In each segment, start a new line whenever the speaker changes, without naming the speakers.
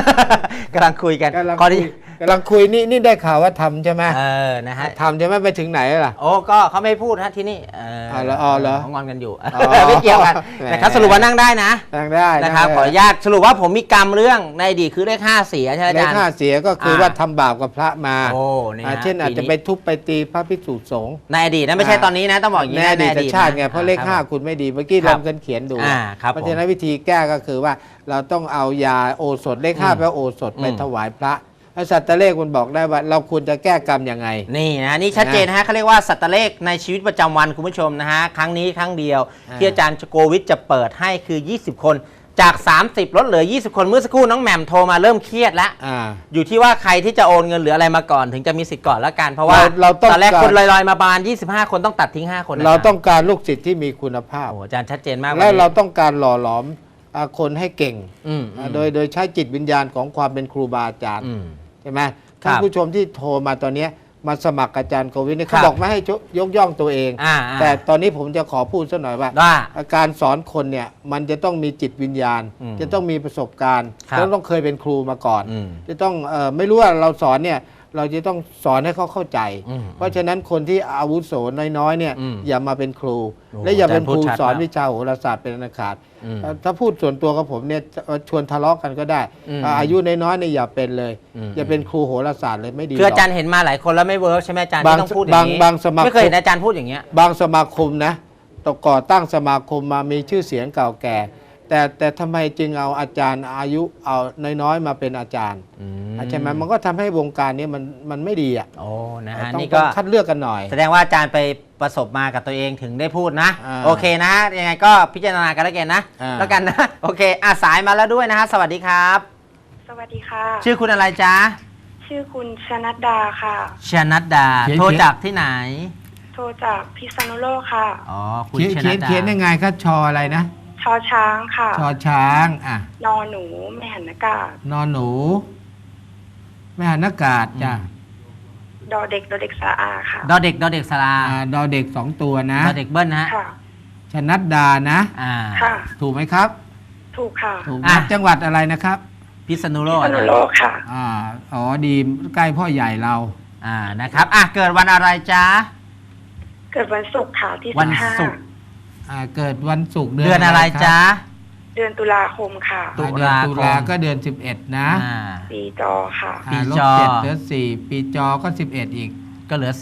กำลังคุยกัน
กำลังคุยนี่ได้ข่าวว่าทำใช่ไหม
นะฮะ
ทำใช่ไหมไปถึงไหนล่ะ
โอ้ก็เขาไม่พูดฮะที่นี่
เหรอ
เขางอนกันอยู่ไม่เกี่ยวกันนะครับสรุปว่านั่งได้นะ
นั่งได้
นะครับขออนุญาตสรุปว่าผมมีกรรมเรื่องในอดีตคือเลข5เสียใช่ไหมอาจารย์
เลข5เสียก็คือว่าทำบาปกับพระมาเช่นอาจจะไปทุบไปตีพระภิกษุสงฆ์
ในอดีตนะไม่ใช่ตอนนี้นะต้องบอกอย่างนี้
ในอดีตชาติไงเพราะเลข5คุณไม่ดีเมื่อกี้ลองกันเขียนดูเพราะฉะนั้นวิธีแก้ก็คือว่าเราต้องเอายาโอสถเลข5แปลว่าโอสถไปถวายพระสัตตเลขมันบอกได้ว่าเราควรจะแก้กรรมยังไง
นี่นะนี่ชัดเจนฮะเขาเรียกว่าสัตตเลขในชีวิตประจำวันคุณผู้ชมนะฮะครั้งนี้ครั้งเดียวที่อาจารย์โกวิทจะเปิดให้คือ20คนจาก30ลดเหลือ20คนเมื่อสักครู่น้องแหม่มโทรมาเริ่มเครียดแล้วอยู่ที่ว่าใครที่จะโอนเงินหรืออะไรมาก่อนถึงจะมีสิทธิ์ก่อนละกันเพราะว่าตอนแรกคนลอยๆมาบาน25คนต้องตัดทิ้ง5คน
เราต้องการลูกศิษย์ที่มีคุณภาพ
อาจารย์ชัดเจนมาก
และเราต้องการหล่อหลอมคนให้เก่งโดยใช้จิตวิญญาณของความเป็นครูบาอาจารย์ใช่ไหมท่านผู้ชมที่โทรมาตอนนี้มาสมัครอาจารย์โกวิทเขาบอกไม่ให้ยกย่องตัวเองแต่ตอนนี้ผมจะขอพูดสักหน่อยว่าการสอนคนเนี่ยมันจะต้องมีจิตวิญญาณจะต้องมีประสบการณ์ต้องเคยเป็นครูมาก่อนจะต้องไม่รู้ว่าเราสอนเนี่ยเราจะต้องสอนให้เขาเข้าใจเพราะฉะนั้นคนที่อาวุโสน้อยๆเนี่ยอย่ามาเป็นครูและอย่าเป็นครูสอนวิชาโหราศาสตร์เป็นอันขาดถ้าพูดส่วนตัวกับผมเนี่ยชวนทะเลาะกันก็ได้อายุน้อยๆเนี่ยอย่าเป็นเลยอย่าเป็นครูโหราศาสตร์เลยไม่ดี
คืออาจารย์เห็นมาหลายคนแล้วไม่เวิร์กใช่ไหมอาจารย์ที่ต้องพูดอย่างนี้ไม่เคยเห็นอาจารย์พูดอย่างเงี้ย
บางสมาคมนะก่อตั้งสมาคมมามีชื่อเสียงเก่าแก่แต่ทำไมจึงเอาอาจารย์อายุเอาน้อยๆมาเป็นอาจารย์ใช่ไหมมันก็ทำให้วงการนี้มันไม่ดีอ่ะ
โอ้นะฮะ
นี่ก็คัดเลือกกันหน่อย
แสดงว่าอาจารย์ไปประสบมากับตัวเองถึงได้พูดนะโอเคนะยังไงก็พิจารณากันแล้วกันนะโอเคสายมาแล้วด้วยนะฮะสวัสดีครับ
สวัสดีค่ะ
ชื่อคุณอะไรจ๊ะ
ชื่อคุณชนัดดาค่ะ
ชนัดดาโทรจากที่ไหน
โทรจากพิษณุโลกค่ะ
อ๋อคุณชนัดดา
เขียนยังไงครับชออะไรนะ
ชอช้างค่ะ
ชอช้าง
นอหนูไม่หันอากาศ
นอหนูไม่หันอากาศจ้ะ
ดอเด็กสระอาค่ะ
ดอเด็กสระอา
ดอเด็ก2ตัวนะ
ดอเด็กเบิ้ลนะ
ชนัดดานะ
ค่ะ
ถูกไหมครับ
ถูกค่ะ
ถูกจังหวัดอะไรนะครับ
พิษณุโลก
ค่ะ
อ๋อดีใกล้พ่อใหญ่เรา
นะครับเกิดวันอะไรจ๊ะ
เกิดวันศุกร์ค่ะที่
วันศุกร์
เกิดวันศุกร์
เดือนอะไรจ๊ะ
เดือนตุลาคมค่ะ
ตุลาก็เดือน11นะ
ปีจอค่ะ
ปีจอเหลือ4ปีจอก็11อีก
ก็เหลือ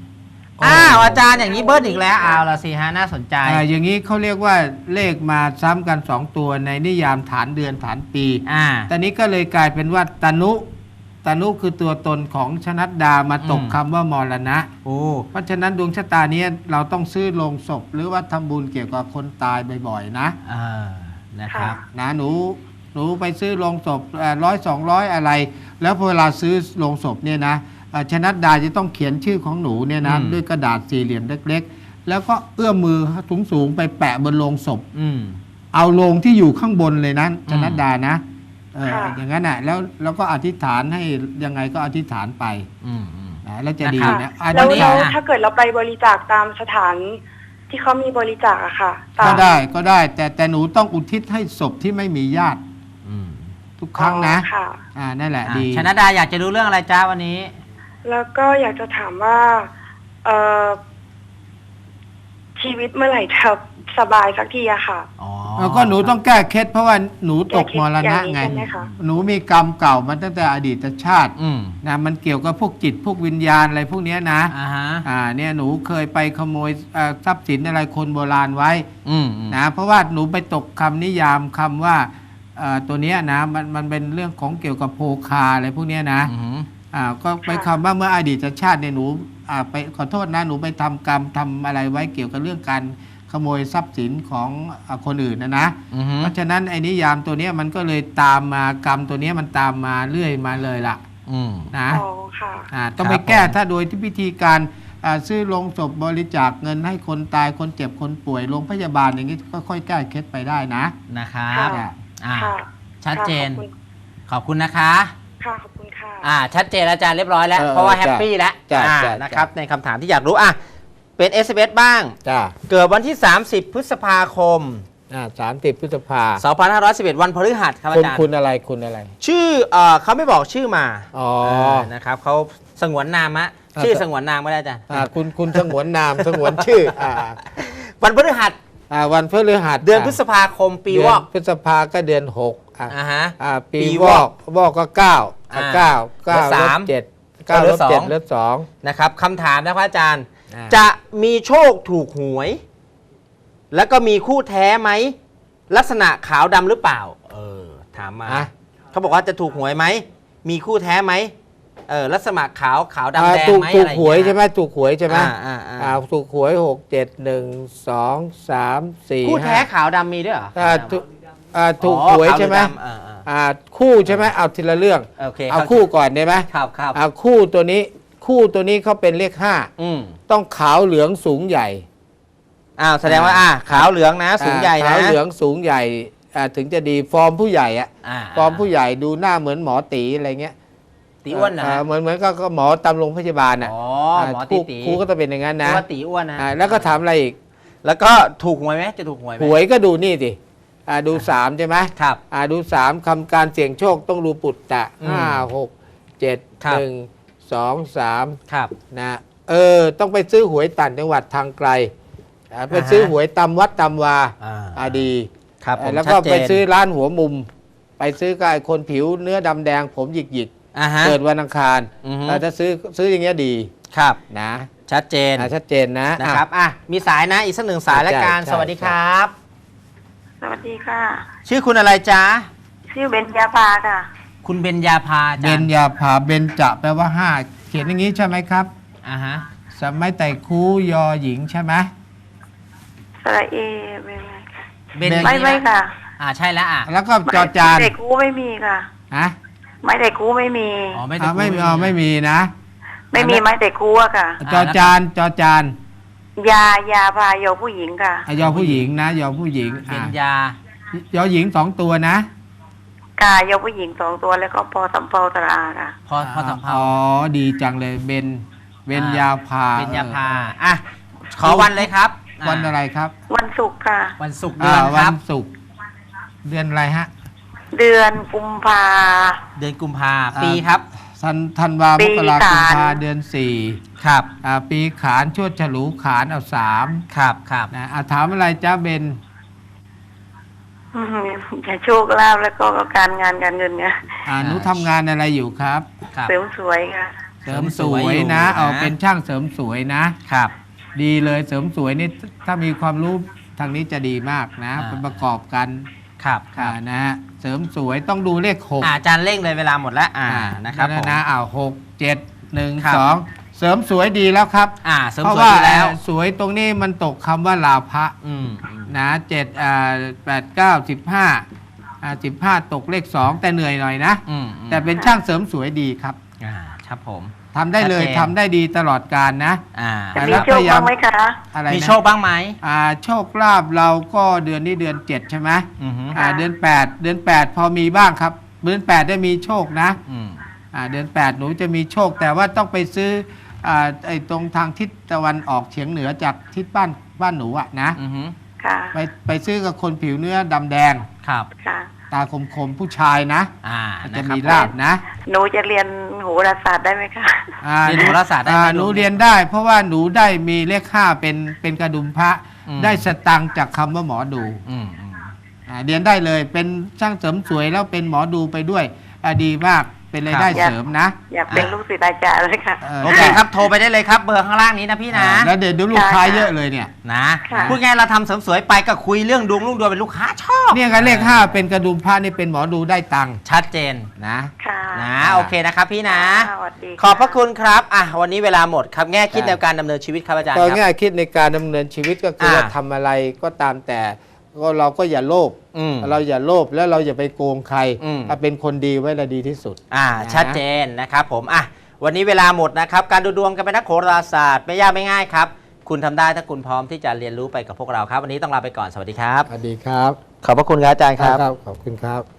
4อาจารย์อย่างนี้เบิ้ลอีกแล้วเอาละสิฮะน่าสนใจ
อย่างนี้เขาเรียกว่าเลขมาซ้ำกัน2ตัวในนิยามฐานเดือนฐานปีตอนนี้ก็เลยกลายเป็นว่าตนุคือตัวตนของชนัดดามาตกคำว่ามรณะเพราะฉะนั้นดวงชะตานี้เราต้องซื้อโลงศพหรือว่าทำบุญเกี่ยวกับคนตายบ่อยๆ
นะครับ
หนูไปซื้อโลงศพ100-200อะไรแล้วพอเวลาซื้อโลงศพเนี่ยนะชนัดดาจะต้องเขียนชื่อของหนูเนี่ยนะด้วยกระดาษสี่เหลี่ยมเล็กๆแล้วก็เอื้อมมือสูงๆไปแปะบนโลงศพเอาโลงที่อยู่ข้างบนเลยนะชนัดดานะอย่างนั้นแล้วก็อธิษฐานให้ยังไงก็อธิษฐานไปแล้วจะดีนะ
แล้วถ้าเกิดเราไปบริจาคตามสถานที่เขามีบริจาคอะค่ะ
ก็ได้แต่หนูต้องอุทิศให้ศพที่ไม่มีญาติทุกครั้งนะนั่นแหละดี
ชนัดดาอยากจะรู้เรื่องอะไรจ้าวันนี้
แล้วก็อยากจะถามว่าชีวิตเมื่อไหร่จะสบายสักทีอะค่ะ
แล้วก็หนูต้องแก้เคล็ดเพราะว่าหนูตกมรณะไงหนูมีกรรมเก่ามาตั้งแต่อดีตชาตินะมันเกี่ยวกับพวกจิตพวกวิญญาณอะไรพวกนี้นะเนี่ยหนูเคยไปขโมยทรัพย์สินอะไรคนโบราณไว้นะเพราะว่าหนูไปตกคำนิยามคำว่าตัวนี้นะมันเป็นเรื่องของเกี่ยวกับโภคาอะไรพวกนี้นะก็ไปคำว่าเมื่ออดีตชาติเนี่ยหนูไปขอโทษนะหนูไปทำกรรมทำอะไรไว้เกี่ยวกับเรื่องการขโมยทรัพย์สินของคนอื่นนะเพราะฉะนั้นไอ้นิยามตัวนี้มันก็เลยตามมากรรมตัวนี้มันตามมาเรื่อยมาเลยล่ะนะต้องไปแก้ถ้าโดยที่พิธีการซื้อโลงศพบริจาคเงินให้คนตายคนเจ็บคนป่วยโรงพยาบาลอย่างนี้ก็ค่อยแก้เคล็ดไปได้
นะครับชัดเจนขอบคุณนะคะ
ขอบคุณค่ะ
ชัดเจนอาจารย์เรียบร้อยแล้วเพราะว่าแฮปปี้แล้วนะครับในคำถามที่อยากรู้เป็น SMS บ้างเกิดวันที่30พฤษภาคม
30 พฤษภา
2511 วันพฤหัสครับอาจารย์
คุณอะไรคุณอะไร
ชื่อเขาไม่บอกชื่อมา
อ๋อ
นะครับเขาสงวนนามะชื่อสงวนนามไม่ได้อาจารย์
คุณสงวนนาม สงวนชื่อ
วันพฤหัส
วันพฤหัส
เดือนพฤษภาคมปีวอก
พฤษภาก็เดือน6
ฮะ
ปีวอกก็9 9
3
7 9 ลบ 7 ลบ 2
นะครับคำถามนะครับอาจารย์
อ่า
จะมีโชคถูกหวย แล้วก็มีคู่แท้ไหมลักษณะขาวดำหรือเปล่าถามมาเขาบอกว่าจะถูกหวยไหมมีคู่แท้ไหมลักษณะขาวดำแดงไหม
ถู
อะ
ก
ไร
หวยใช่ไหมถูกหวยใช่ไหม
ถูก
ถูกหวย6 7 1 2 3 4
คู่แท้ขาวดำมีด้วยเหรอ
ถูกหวยใช่ไหม
ขาวดำ
คู่ใช่ไหมเอาทีละเรื่อง
โอเค
เอาคู่ก่อนได้ไหม
ครับครับ
คู่ตัวนี้เขาเป็นเลข5ต้องขาวเหลืองสูงใหญ่
แสดงว่าขาวเหลืองนะสูงใหญ่นะ
ขาวเหลืองสูงใหญ่ถึงจะดีฟอร์มผู้ใหญ่ฟอร์มผู้ใหญ่ดูหน้าเหมือนหมอตีอะไรเงี้ย
ตีอ้วนนะ
เหมือนก็หมอตำรงพยาบาล
หมอตี
ครูก็จะเป็นอย่างนั้นนะ
ว่าตีอ้วนนะ
แล้วก็ถามอะไรอีก
แล้วก็ถูกหวยไหมจะถูกหวยไหม
หวยก็ดูนี่สิดู3ใช่ไหม
ครับ
ดู3คำการเสี่ยงโชคต้องดูปุตตะ5 6 7 1 2 3
ครับ
นะต้องไปซื้อหวยต่างจังหวัดทางไกลไปซื้อหวยตำวัดตำวาดี
ครับผม
แล้วก็ไปซื้อร้านหัวมุม ไปซื้อกับไอ้คนผิวเนื้อดำแดงผมหยิกเกิดวันอังคารถ้าซื้ออย่างเงี้ยดี
ครับ
นะ
ชัดเจนนะครับมีสายนะอีกสักหนึ่งสายละกันสวัสดีครับ
สวัสดีค่ะ
ชื่อคุณอะไรจ๊ะ
ชื่อเบญญาภาค่ะ
คุณเบญญาภา
เบญญาภาเบญจะแปลว่า5เขียนอย่างนี้ใช่ไหมครับสมัยไต่คูยอหญิงใช่ไหม
สระเอไม่ค่ะ
ใช่แล้ว
แล้วก็จอจาน
ไต่คูไม่มีค่ะไม้ไต่คูไม่มี
ไม่มีนะ
ไม่มีไม้ไต่คูอะค่ะ
จอจาน
ยาพายอผู้หญิงค่ะ
ยอผู้หญิงนะยอผู้หญิง
เป็นย
อหญิง2ตัวนะ
กายอผู้หญิง2ตัวแล้วก็พอสำเภาตราค่ะ
พอสำเภา
ดีจังเลยเบญญาภา
ขอวันเลยครับ
วันอะไรครับ
วันศุกร์ค่ะ
วันศุกร์เดือนครับ
วันศุกร์เดือนอะไรฮะ
เดือนกุมภา
ปีครับ
ธันวาคม มกราคม กุมภาเดือน4
ครับ
ปีขานชวดฉลูขานเอา3
ครับ
ถามอะไรจ้าเบน
จะโชคลาภแล้วก็การงานการเงินเนี่ย
หนูทำงานอะไรอยู่ครับ
เสริมสวยค่ะ
เสริมสวยนะเป็นช่างเสริมสวยนะครับดีเลยเสริมสวยนี่ถ้ามีความรู้ทางนี้จะดีมากนะเป็นประกอบกัน
ครับ
นะฮะเสริมสวยต้องดูเลข6
อาจารย์เร่งเลยเวลาหมดแล้วนะครับผม
นะ6 7 1 2เสริมสวยดีแล้วครับ
เพราะว่า
สวยตรงนี้มันตกคำว่าลาภะนะ7 8 9 15ตกเลข2แต่เหนื่อยหน่อยนะแต่เป็นช่างเสริมสวยดีครับ
ครับผม
ทำได้เลยทำได้ดีตลอดกาลนะ
มีโชคบ้างไหมคะ
มีโชคบ้างไหม
โชคลาภเราก็เดือนนี้เดือน7ใช่ไหมเดือน8พอมีบ้างครับเดือน8ได้มีโชคนะเดือน8หนูจะมีโชคแต่ว่าต้องไปซื้อไอ้ตรงทางทิศตะวันออกเฉียงเหนือจากทิศบ้านหนูนะไปซื้อกับคนผิวเนื้อดำแดง
ครับ
ตาคมผู้ชายนะจะมีลาภนะ
หนูจะเรียนโหราศาสตร์ได้ไหมคะ
เรียนโหราศาสตร์ได้
หนูเรียนได้เพราะว่าหนูได้มีเลข5เป็นกระดุมพระได้สตังค์จากคำว่าหมอดูเรียนได้เลยเป็นช่างเสริมสวยแล้วเป็นหมอดูไปด้วยดีมากเป็นรายได้เสริมนะ
อยากเป็นลูกศิษย์อาจารย์เลยค่ะ
โอเคครับโทรไปได้เลยครับเบอร์ข้างล่างนี้นะพี่นะ
แล้วเดี๋ยวดูลูกค้าเยอะเลยเนี่ย
นะพูดง่ายเราทำเสริมสวยไปก็คุยเรื่องดวงเป็นลูกค้าชอบ
เนี่ยกันเลข5เป็นกระดุมพระนี่เป็นหมอดูได้ตังค์
ชัดเจน
นะ
โอเคนะครับพี่นะขอบพระคุณครับวันนี้เวลาหมดครับแง่คิดในการดำเนินชีวิตครับอาจารย์
ก็แง่คิดในการดำเนินชีวิตก็คือว่าทำอะไรก็ตามแต่เราก็อย่าโลภเราอย่าโลภแล้วเราอย่าไปโกงใครเป็นคนดีไว้ละดีที่สุด
ชัดเจนนะครับผมวันนี้เวลาหมดนะครับการดูดวงกันเป็นนักโหราศาสตร์ไม่ยากไม่ง่ายครับคุณทำได้ถ้าคุณพร้อมที่จะเรียนรู้ไปกับพวกเราครับวันนี้ต้องลาไปก่อนสวัสดีครับ
สวัสดีครับ
ขอบพระคุณครับอาจารย์ครับ
ขอบคุณครับ